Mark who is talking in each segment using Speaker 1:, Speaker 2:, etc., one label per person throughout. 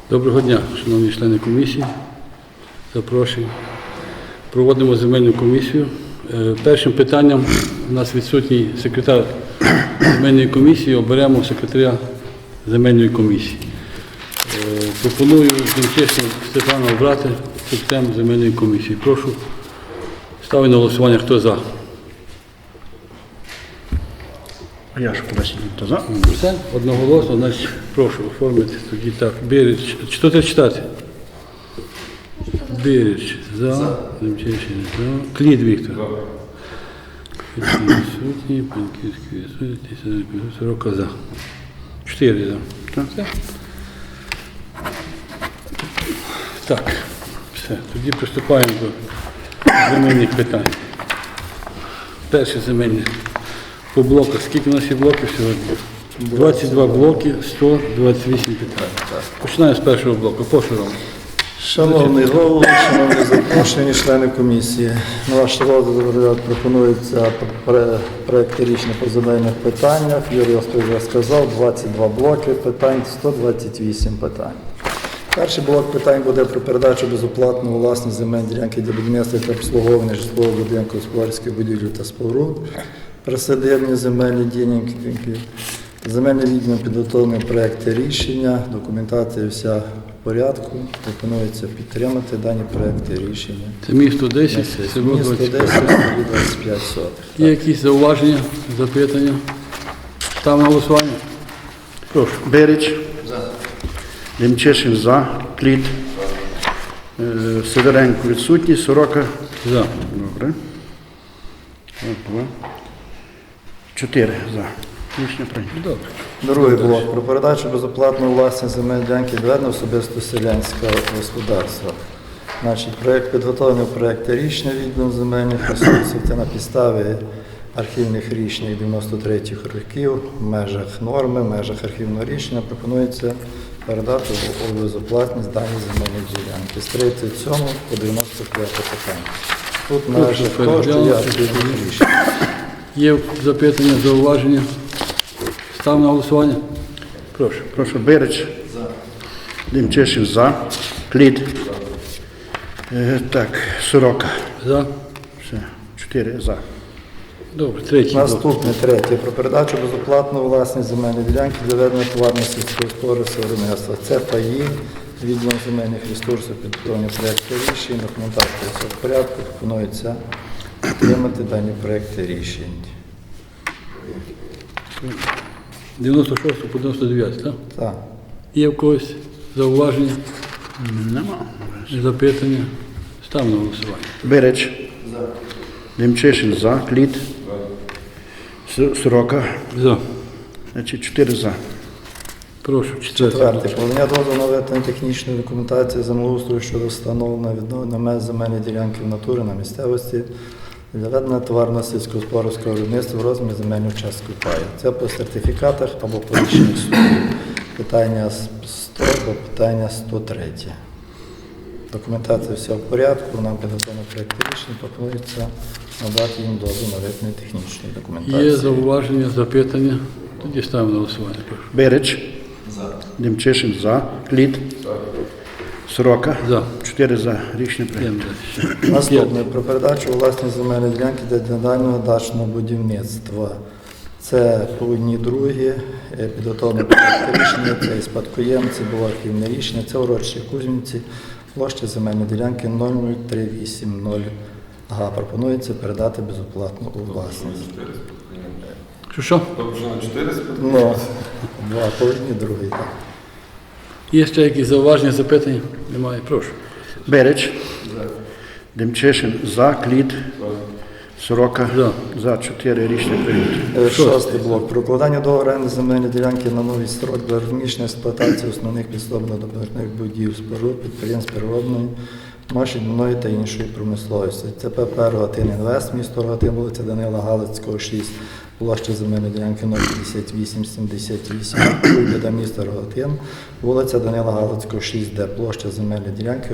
Speaker 1: Доброго дня, шановні члени комісії. Запрошую. Проводимо земельну комісію. Першим питанням у нас відсутній секретар земельної комісії. Оберемо секретаря земельної комісії. Пропоную Демчишина Степана обрати секретарем земельної комісії. Прошу. Ставлю на голосування. Хто за?
Speaker 2: Я ж поясню, хто за.
Speaker 1: Все? Одноголосно. Значить, прошу оформити тоді так. Бірич. Що треба читати? Бірич за. Демчишин за. Клід Віктор. Відсутній. Панківський відсутній. Сорока за. 4 за. Так. Так. Все. Тоді приступаємо до земельних питань. Перше земельне. По блоках. Скільки у нас є блоків сьогодні? 22 блоки, 128 питань. Починаємо з першого блоку. Прошу, Ром.
Speaker 3: Шановний голово, шановні запрошені члени комісії, на ваш розгляд пропонується проекти рішення по земельних питаннях. Юрій вже сказав, 22 блоки питань, 128 питань. Перший блок питань буде про передачу безоплатно у власність земельної ділянки для будівництва та обслуговування житлового будинку, господарських будівель та споруд, присадибні земельні ділянки. Земельний відділ підготовлений проекти рішення, документація вся в порядку. Пропонується підтримати дані проекти рішення.
Speaker 1: Це місто 10, село
Speaker 3: Місто
Speaker 1: 25.
Speaker 3: 10, село 25 сотих.
Speaker 1: Є якісь зауваження, запитання? Ставимо на голосування? Прошу.
Speaker 2: Берич. Демчишин за. Кліт. Сидоренко відсутній. Сорока.
Speaker 1: За.
Speaker 2: Добре. 2. 4 за. Рішення прийнято.
Speaker 1: Добре.
Speaker 3: Другий блок про передачу безоплатно у власність земельної ділянки для особисто селянського господарства. Значить, проєкт підготовлений проєкти рішення відділом земельних ресурсів. Це на підставі архівних рішень 93-х років, в межах норми, в межах архівного рішення пропонується передати у безоплатність дані земельні ділянки з 37 по 95 питання. Тут в межах того, що є архівних рішень.
Speaker 1: Є запитання, зауваження? Ставимо на голосування? Прошу.
Speaker 2: Прошу. Берич. За. Демчишин за. Кліт. Так. Сорока.
Speaker 1: За.
Speaker 2: Все. 4 за.
Speaker 1: Добре. Третій блок.
Speaker 3: Наступне, третє, про передачу безоплатно у власність земельної ділянки для ведення товарного сільськогосподарського виробництва. Це паї, відділом земельних ресурсів, підготовлення проєкту рішень, документація все в порядку, пропонується підтримати дані проєкти рішень.
Speaker 1: 96 по 99, так?
Speaker 3: Так.
Speaker 1: Є в когось зауваження,
Speaker 2: Нема.
Speaker 1: запитання? Ставимо на голосування.
Speaker 2: Берич. За. Демчишин за. Кліт. Сорока.
Speaker 1: За.
Speaker 2: Значить 4 за.
Speaker 1: Прошу.
Speaker 3: Четверте, подання дозволу на виготовлення технічної документації землеустрою щодо встановлення відновлення меж земельної ділянки в натурі на місцевості для ведення товарного сільськогосподарського виробництва в розмірі земельної частки паю. Це по сертифікатах або по рішеннях суду. Питання 100 або питання 103. Документація вся в порядку, нам підготовлено проєкт рішення, пропонується надати їм дозвіл на виготовлення технічної документації.
Speaker 1: Є зауваження, запитання? Тоді ставимо на голосування. Прошу.
Speaker 2: Берич. За. Демчишин за. Кліт. Сорока.
Speaker 1: За.
Speaker 2: 4 за. Рішення прийнято.
Speaker 1: Йдемо далі.
Speaker 3: Наступне про передачу у власність земельної ділянки для дальнього дачного будівництва. Це по одній другі, підготовлено проєкт рішення, це і спадкоємці, було архівне рішення, це урочище Кузьмінці, площа земельної ділянки 00380 га. Пропонується передати безоплатно у власність.
Speaker 1: Що?
Speaker 3: Ну, два по одній другій. Так.
Speaker 1: Є ще якісь зауваження, запитання? Немає. Прошу.
Speaker 2: Берич. За. Демчишин за. Кліт. Сорока.
Speaker 1: За.
Speaker 2: За. 4. Рішення прийнято.
Speaker 3: Шостий блок. Про укладання договору оренди земельної ділянки на новий строк для розміщення експлуатації основних підсобно-добірних будівель, споруд, підприємств переробної, машинної та іншої промисловості. Це ПП «Рогатин Інвест», місто Рогатин, вулиця Данила Галицького, 6, площа земельної ділянки 05878, Куйбіда, місто Рогатин, вулиця Данила Галицького, 6Д, площа земельної ділянки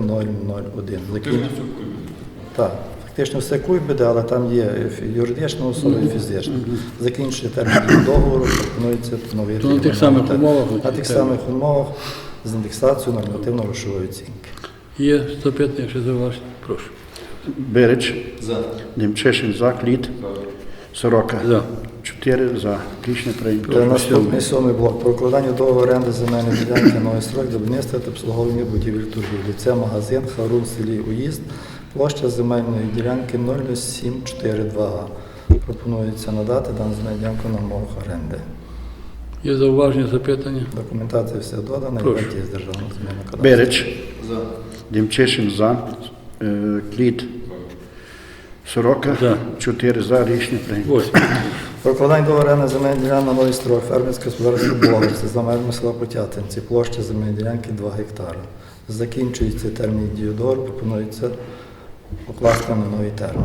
Speaker 3: 1001. Так. Фактично все Куйбіда, але там є юридична особа і фізична. Закінчує термін договору, пропонується новий
Speaker 1: То на тих самих умовах?
Speaker 3: На тих самих умовах. з індексацією нормативно-грошової оцінки.
Speaker 1: Є запитання, ще зауваження? Прошу.
Speaker 2: Берич. Демчешин за. Кліт. Сорока.
Speaker 1: За.
Speaker 2: 4 за. Рішення прийнято.
Speaker 3: Та наступний 7 блок. Про укладання договору оренди земельної ділянки новий строк для будівництва та обслуговування будівель торгівлі. Це магазин Харун в селі Уїзд. Площа земельної ділянки 00742 га. Пропонується надати дану земельну ділянку на умовах оренди.
Speaker 1: Є зауваження, запитання?
Speaker 3: Документація все додана,
Speaker 1: Прошу.
Speaker 3: і з державного земельного кадастру.
Speaker 2: Берич. Демчешин за. Кліт. Сорока.
Speaker 1: За.
Speaker 2: 4 за. Рішення прийнято.
Speaker 1: 8.
Speaker 3: Про укладання договору оренди земельної ділянки на новий строк. Фермерське господарство Боговці за межами села Потятинці. Площа земельної ділянки 2 гектара. Закінчується термін дії договору, пропонується укласти на новий термін.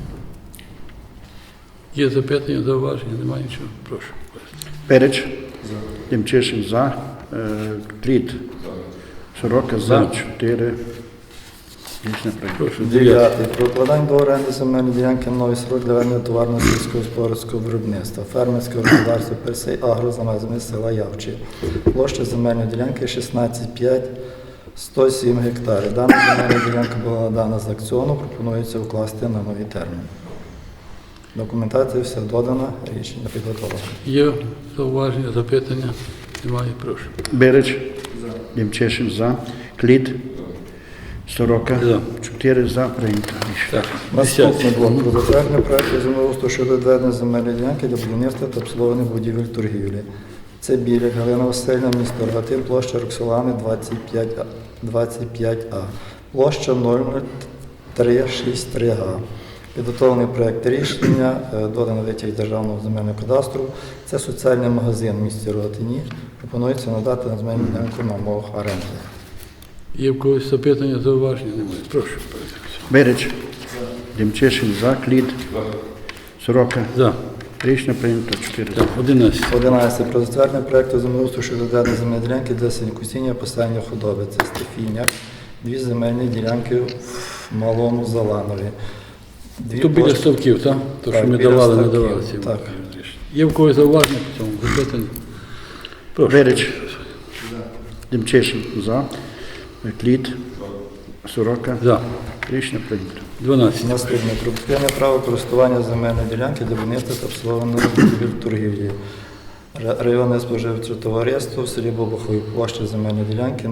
Speaker 1: Є запитання, зауваження? Немає нічого? Прошу.
Speaker 2: Берич. Демчешин за. Кліт. Сорока за. 4. Рішення прийнято.
Speaker 1: Прошу. 9.
Speaker 3: 9. Про укладання договору оренди земельної ділянки на новий строк для ведення товарного сільськогосподарського виробництва. Фермерське господарство Персей Агро за межами села Явчі. Площа земельної ділянки 16,5, 107 гектарів. Дана земельна ділянка була надана з аукціону, пропонується укласти на новий термін. Документація все додана, рішення підготовлено.
Speaker 1: Є зауваження, запитання? Немає? Прошу.
Speaker 2: Берич. Демчешин за. Кліт. Сорока.
Speaker 1: За.
Speaker 2: 4 за. Прийнято. Рішення.
Speaker 1: Так.
Speaker 3: Наступний блок про затвердження проекту землеустрою щодо відведення земельної ділянки для будівництва та обслуговування будівель торгівлі. Це Біляк, Галина Васильівна, місто Рогатин, площа Роксолани 25А, площа 00363 га. Підготовлений проект рішення, додано витяг Державного земельного кадастру. Це соціальний магазин в місті Рогатині. Пропонується надати на земельну ділянку на умовах оренди.
Speaker 1: Є в когось запитання, зауваження? Немає? Прошу.
Speaker 2: Берич. Демчешин за. Кліт. Сорока.
Speaker 1: За.
Speaker 2: Рішення прийнято. 4 за.
Speaker 1: Так, 11.
Speaker 3: 11. Про затвердження проекту землеустрою щодо відведення земельної ділянки для сінокосіння посадання худоби. Це Стефіня. 2 земельні ділянки в Малому Заланові.
Speaker 1: Тут біля ставків, так? То, що
Speaker 3: Так,
Speaker 1: ми
Speaker 3: біля
Speaker 1: давали, не
Speaker 3: ставків,
Speaker 1: давали ці
Speaker 3: так.
Speaker 1: рішення. Є в когось зауваження по цьому запитання? Прошу.
Speaker 2: Берич. Демчешин за. Кліт. Сорока.
Speaker 1: За.
Speaker 2: Рішення прийнято.
Speaker 1: 12.
Speaker 3: Наступне. Про припинення права користування земельної ділянки для будівництва та обслуговування будівель торгівлі. Районне споживче товариство в селі Бобухові, площа земельної ділянки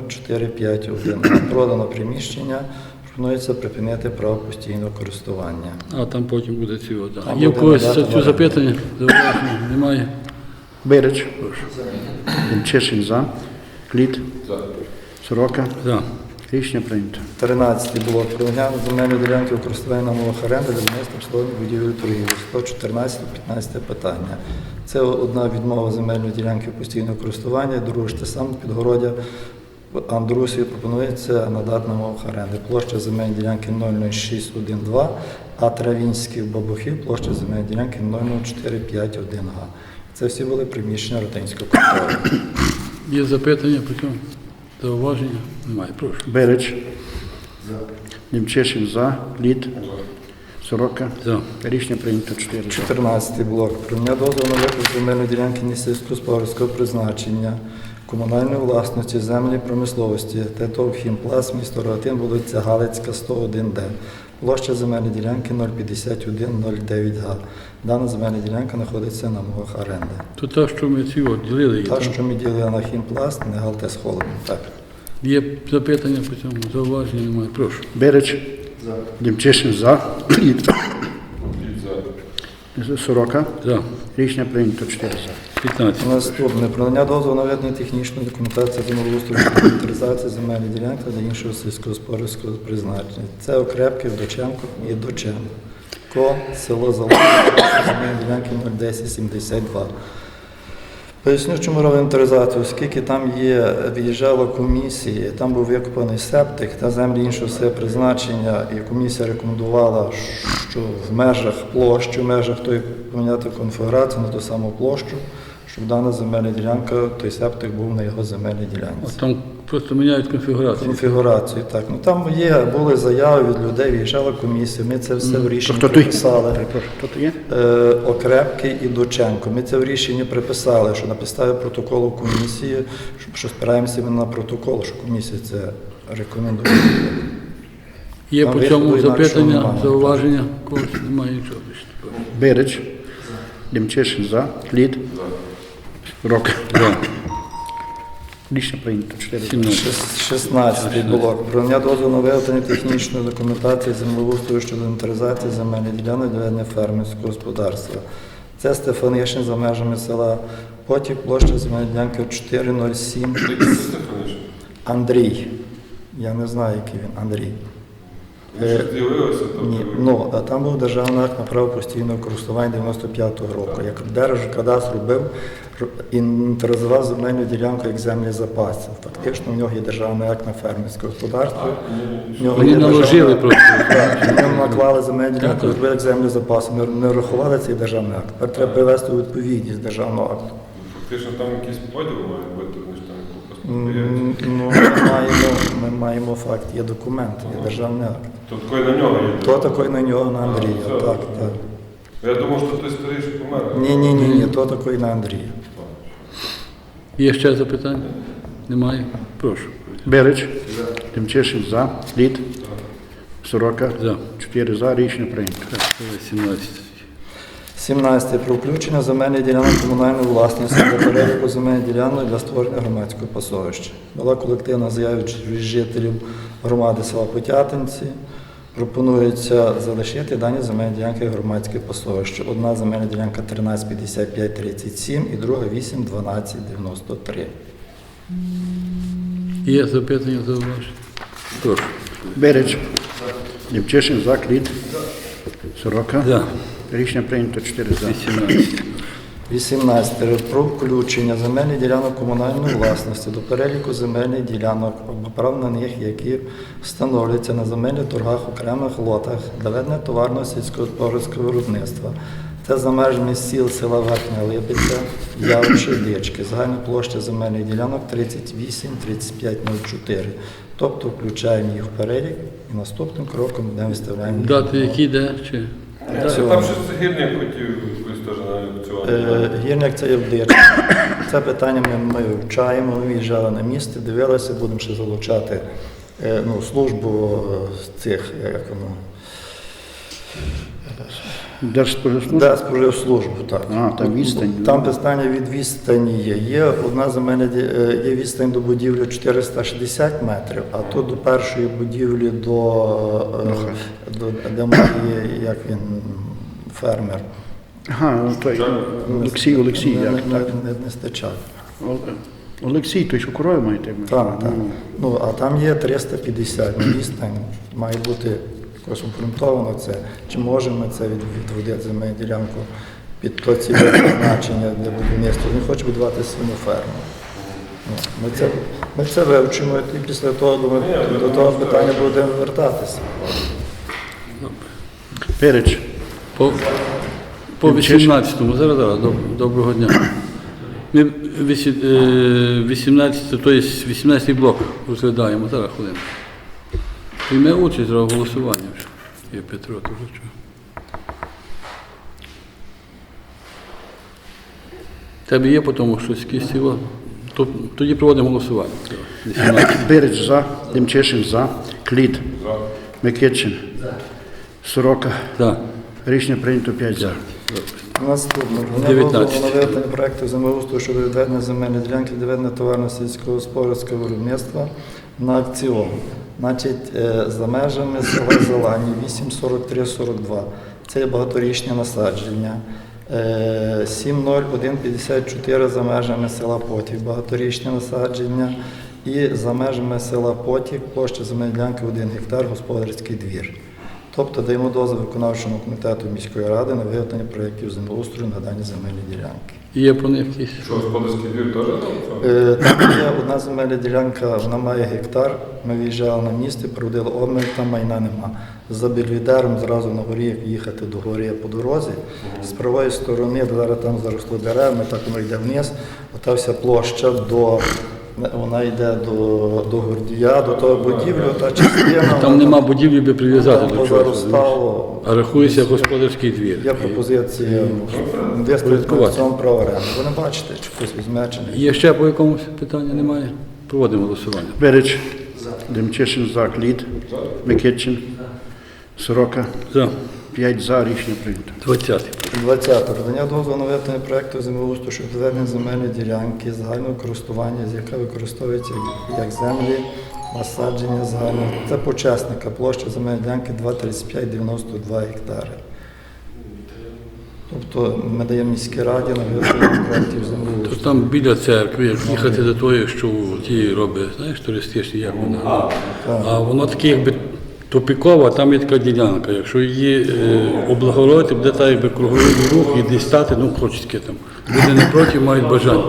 Speaker 3: 00451. Продано приміщення. Пропонується припинити право постійного користування.
Speaker 1: А там потім буде ці вода.
Speaker 3: Там
Speaker 1: Є в
Speaker 3: буде
Speaker 1: когось
Speaker 3: надати
Speaker 1: цю запитання? Зауваження? Немає?
Speaker 2: Берич. Демчешин за. Кліт. Сорока.
Speaker 1: За.
Speaker 2: Рішення прийнято.
Speaker 3: 13 блок. Про наявну земельної ділянки у користуванні на умовах оренди для будівництва обслуговування будівель торгівлі. 114-15 питання. Це одна відмова земельної ділянки постійного користування, друге ж те саме Підгородя Андрусі пропонується надати на умовах оренди. Площа земельної ділянки 00612, а Травінський в Бабухів площа земельної ділянки 00451 га. Це всі були приміщення Ротинського контролю.
Speaker 1: Є запитання по цьому? Зауваження? Немає. Прошу.
Speaker 2: Берич. Демчешин за. Кліт. Сорока.
Speaker 1: За.
Speaker 2: Рішення прийнято. 4 за.
Speaker 3: 14 блок. Прийняття дозволу на викуп земельної ділянки несільськогосподарського призначення, комунальної власності, землі промисловості, ТТОВ «Хімпласт», місто Рогатин, вулиця Галицька, 101Д. Площа земельної ділянки 05109 га. Дана земельна ділянка знаходиться на умовах оренди.
Speaker 1: То та, що ми ці от ділили її.
Speaker 3: Та,
Speaker 1: так?
Speaker 3: що ми ділили на «Хімпласт», не Галтес Холодно. Так.
Speaker 1: Є запитання по цьому? Зауваження? Немає. Прошу.
Speaker 2: Берич. Демчешин за. Кліт. Сорока.
Speaker 1: За.
Speaker 2: Рішення прийнято. 4 за.
Speaker 1: 15.
Speaker 3: Наступне. Про надання дозволу на ведення технічної документації землеустрою щодо інвентаризації земельної ділянки для іншого сільськогосподарського призначення. Це Окрепки, Вдоченко і Доченко. Село Залоза, земельної ділянки 01072. Поясню, чому робимо інвентаризацію, оскільки там виїжджала комісія, там був викопаний септик та землі іншого призначення, і комісія рекомендувала, що в межах площі, в межах тої поміняти конфігурацію на ту саму площу, щоб дана земельна ділянка, той септик був на його земельній ділянці.
Speaker 1: От там просто міняють конфігурацію.
Speaker 3: Конфігурацію, так. Ну там були заяви від людей, виїжджала комісія, ми це все в рішенні
Speaker 2: Хто той?
Speaker 3: приписали.
Speaker 2: Хто то є?
Speaker 3: Окрепкий і Доченко. Ми це в рішенні приписали, що на підставі протоколу комісії, що спираємося ми на протокол, що комісія це рекомендує.
Speaker 1: Є
Speaker 3: Там
Speaker 1: по
Speaker 3: виходу
Speaker 1: цьому
Speaker 3: інакшого
Speaker 1: запитання,
Speaker 3: немає.
Speaker 1: зауваження? Когось немає нічого більше.
Speaker 2: Берич. Демчешин за. Лід. Сорока.
Speaker 1: За.
Speaker 2: Рішення прийнято. 4 за.
Speaker 1: 17.
Speaker 3: 16-й блок. Про надання дозволу на виготовлення технічної документації землеустрою щодо інвентаризації земельних ділянок для ведення фермерського господарства. Це Стефанишин за межами села Потік, площа земельної ділянки 407. Андрій. Я не знаю, який він Андрій.
Speaker 4: З'явилося,
Speaker 3: Ні, ну, а там був державний акт на право постійного користування 95-го року. Як Держкадастр робив, інвентаризував земельну ділянку як землі запаси. Фактично в нього є державний акт на фермерське господарство. В нього
Speaker 1: Вони
Speaker 3: є
Speaker 1: наложили
Speaker 3: державний-
Speaker 1: просто.
Speaker 3: Так, в ньому наклали земельну ділянку,
Speaker 1: Так.
Speaker 3: зробили як землі запаси. Не рахували цей державний акт. Тепер треба привести у відповідність державного акту.
Speaker 4: Фактично там якийсь поділ має бути, вони ж там просто
Speaker 3: Ну, ми маємо факт, є документ, є державний акт.
Speaker 4: То такий на нього є.
Speaker 3: То такий на нього, на Андрія.
Speaker 4: все.
Speaker 3: Так, так.
Speaker 4: Я думав, що той старий що помер.
Speaker 3: Ні, то такий на Андрія.
Speaker 1: Є ще запитання? Немає? Прошу.
Speaker 2: Берич. Демчешин за. Лід. Сорока.
Speaker 1: За.
Speaker 2: 4 за. Рішення прийнято.
Speaker 1: 17.
Speaker 3: 17. Про включення земельних ділянок комунальної власності до переліку земельних ділянок для створення громадського пасовища. Була колективна заява від жителів громади села Потятинці. Пропонується залишити дані земельні ділянки громадське пасовище. Одна земельна ділянка 135537 і друга 81293.
Speaker 1: Є запитання, зауваження? Прошу.
Speaker 2: Берич. Демчешин за. Лід. Сорока.
Speaker 1: За.
Speaker 2: Рішення прийнято. 4 за.
Speaker 1: 18.
Speaker 3: 18. Про включення земельних ділянок комунальної власності до переліку земельних ділянок або прав на них, які встановлюються на земельних торгах окремих лотах для ведення товарного сільськогосподарського виробництва. Це за межами сіл села Верхня Липиця, Явичі, Дички. Загальна площа земельних ділянок 38-3504. Тобто включаємо їх в перелік і наступним кроком будемо виставляємо їх.
Speaker 1: Дати які де? Чи?
Speaker 4: Там щось гірник хотів якось теж на аукціон.
Speaker 3: Гірник це є в Дичці. Це питання ми вивчаємо, ми виїжджали на місце, дивилися, будемо ще залучати службу цих, як воно,
Speaker 2: Держспоживслужба.
Speaker 3: Споживслужбу, так.
Speaker 2: Там відстань.
Speaker 3: Там питання від відстані є. Є одна земельна є відстань до будівлі 460 метрів, а тут до першої будівлі де має, як він, фермер.
Speaker 2: Ага, той Олексій, як так.
Speaker 3: Не стачав.
Speaker 2: Олексій, той, що корову маєте?
Speaker 3: Так. Ну, а там є 350 відстань. Має бути якось обґрунтовано це. Чи можемо ми це відводити земельну ділянку під то цільове призначення для будівництва? Він хоче будувати свину ферму. Ми це вивчимо і після того до того питання будемо вертатися.
Speaker 2: Берич.
Speaker 1: По 18-му. Зараз. Доброго дня. Ми 18, тобто 18-й блок розглядаємо. Зараз хвилину. Прийме участь в голосуванні вже. Є Петро, то вже чого. Тебе є по тому щось якісь ціло? Тоді проводимо голосування. 18.
Speaker 2: Берич за. Демчешин за. Кліт. Микитчин. Сорока.
Speaker 1: За.
Speaker 2: Рішення прийнято 5 за.
Speaker 3: Наступне.
Speaker 1: 19.
Speaker 3: Наведення проєкту землеустрою щодо відведення земельної ділянки для ведення товарного сільськогосподарського виробництва на акціон. Значить, за межами села Зелані 843-42. Це є багаторічне насадження. 70154 за межами села Потік, багаторічне насадження. І за межами села Потік площа земельної ділянки 1 гектар, господарський двір. Тобто даємо дозвіл виконавчому комітету міської ради на виготовлення проєктів землеустрою на дані земельні ділянки.
Speaker 1: Є по них якісь?
Speaker 4: Що, господарський двір теж там?
Speaker 3: Там є одна земельна ділянка, вона має гектар. Ми виїжджали на місце, проводили обмір, там майна нема. За Бельведером зразу на горі, як їхати до гори по дорозі. З правої сторони, зараз там заросло деревами, так воно йде вниз. Ота вся площа вона йде до Гордія, до того будівлі, та частина.
Speaker 1: Там нема будівлі, би прив'язати до чогось.
Speaker 3: Позаростало.
Speaker 1: А рахується господарський двір.
Speaker 3: Є пропозиція виставити на цьому право оренди. Ви не бачите, чи хтось візьме, чи не.
Speaker 1: Є ще по якомусь питання немає? Проводимо голосування.
Speaker 2: Берич. Демчишин за. Кліт. Микитчин. Сорока.
Speaker 1: За.
Speaker 2: 5 за. Рішення прийнято.
Speaker 1: 20.
Speaker 3: 20. Надання дозволу на виготовлення проєкту землеустрою щодо відведення земельної ділянки загального користування, з яка використовується як землі, насадження загального. Це почесника, площа земельної ділянки 2,3592 гектари. Тобто ми даємо міській раді на виготовлення проєктів
Speaker 1: То
Speaker 3: землеустрою.
Speaker 1: там біля церкви, як їхати до тої, що ті робить, знаєш, туристичні, як вона. А воно таке, якби тупікова, там є така ділянка. Якщо її облагородити, буде так, якби круговий рух і десь стати, ну, хочеться там. Люди не проти, мають бажання.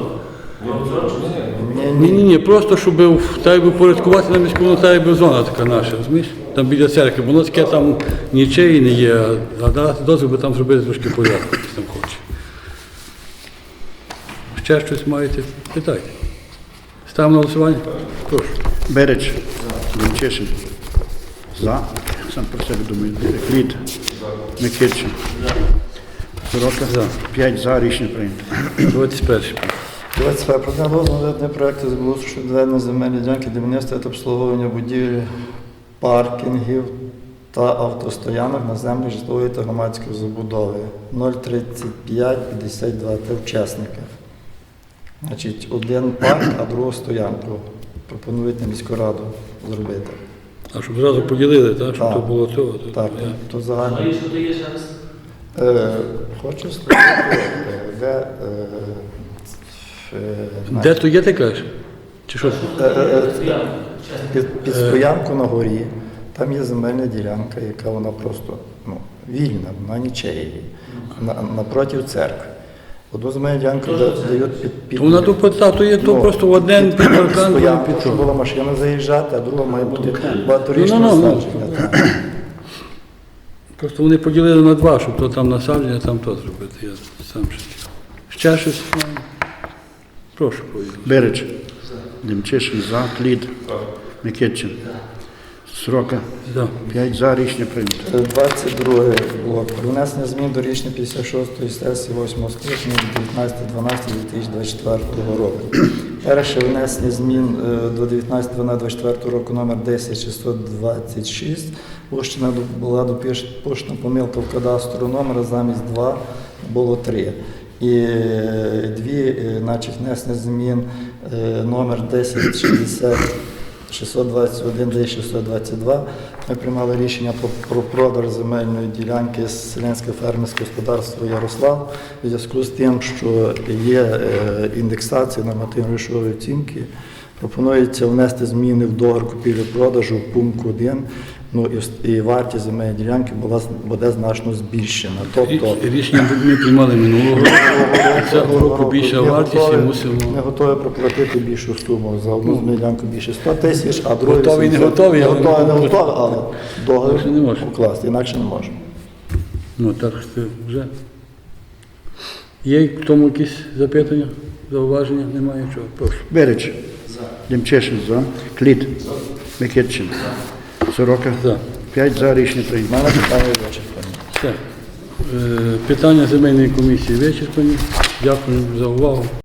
Speaker 1: Ні, просто щоб так якби порядкувати на міську, воно так якби зона така наша, розумієш? Там біля церкви, воно таке там нічиї не є, а дати дозвіл, би там зробити трошки порядку, хтось там хоче. Ще щось маєте? Питайте. Ставимо на голосування? Прошу.
Speaker 2: Берич. Демчишин. За. Сам про себе думаю. Кліт. Микитчин. Сорока.
Speaker 1: За.
Speaker 2: 5 за. Рішення прийнято.
Speaker 1: 21.
Speaker 3: 22. Про надання дозволу на виготовлення проєкту землеустрою щодо відведення земельної ділянки для будівництва та обслуговування будівель, паркінгів та автостоянок на землі житлової та громадської забудови 03552. Це учасники. Значить, один парк, а другу стоянку. Пропонують на міську раду зробити.
Speaker 1: А щоб зразу поділили, так? Щоб
Speaker 3: Так.
Speaker 1: то було того. то-
Speaker 3: Так, то загально.
Speaker 5: А що то є зараз?
Speaker 3: Хочу сказати, де...
Speaker 1: Де то є, ти кажеш? Чи що?
Speaker 3: Під стоянку на горі, там є земельна ділянка, яка вона просто вільна, вона нічиєї, напроти церкви. Одну земельну ділянку дають під
Speaker 1: Вона то то є то просто один під паркан, другий
Speaker 3: стоянку,
Speaker 1: під
Speaker 3: щоб
Speaker 1: то.
Speaker 3: була машина заїжджати, а друга має бути багаторічне
Speaker 1: Ну.
Speaker 3: насадження.
Speaker 1: Просто вони поділили на два, щоб то там насадження, там то зробити. Я сам ще щось маю. Прошу, повідомити.
Speaker 2: Берич. Демчишин за. Кліт. Микитчин. Сорока.
Speaker 1: Да.
Speaker 2: 5 за. Рішення прийнято.
Speaker 3: 22 блок. Про внесення змін до рішення 56-ї сесії 8-го скликання від 19.12.2024 року. Перше внесення змін до 19.12.24 року номер 10626. Пущена була допущена помилка в кадастру номера, замість 2 було 3. І дві, значить, внесення змін номер 1060 621 622. Ми приймали рішення про продаж земельної ділянки з селянське фермерське господарство Ярослав у зв'язку з тим, що є індексація нормативно-грошової оцінки. Пропонується внести зміни в договір купівлі-продажу в пункт 1, і вартість земельної ділянки буде значно збільшена. Тобто
Speaker 1: Рішення ми приймали минулого року. Цього року більша вартість і мусимо.
Speaker 3: Ми готові проплатити більшу суму за одну земельну ділянку більше 100 тисяч, а другу
Speaker 1: Готові, не готові, але
Speaker 3: готові, не готові, але
Speaker 1: Інакше не
Speaker 3: договір
Speaker 1: можемо.
Speaker 3: укласти, інакше не можемо.
Speaker 1: Ну так що вже. Є в тому якісь запитання, зауваження? Немає нічого. Прошу.
Speaker 2: Берич. Демчишин за. Кліт. Микитчин. Сорока.
Speaker 1: За.
Speaker 2: 5 за. Рішення
Speaker 3: У
Speaker 2: прийнято.
Speaker 3: мене питання вичерпані.
Speaker 1: Все. Питання земельної комісії вичерпані. Дякую за увагу.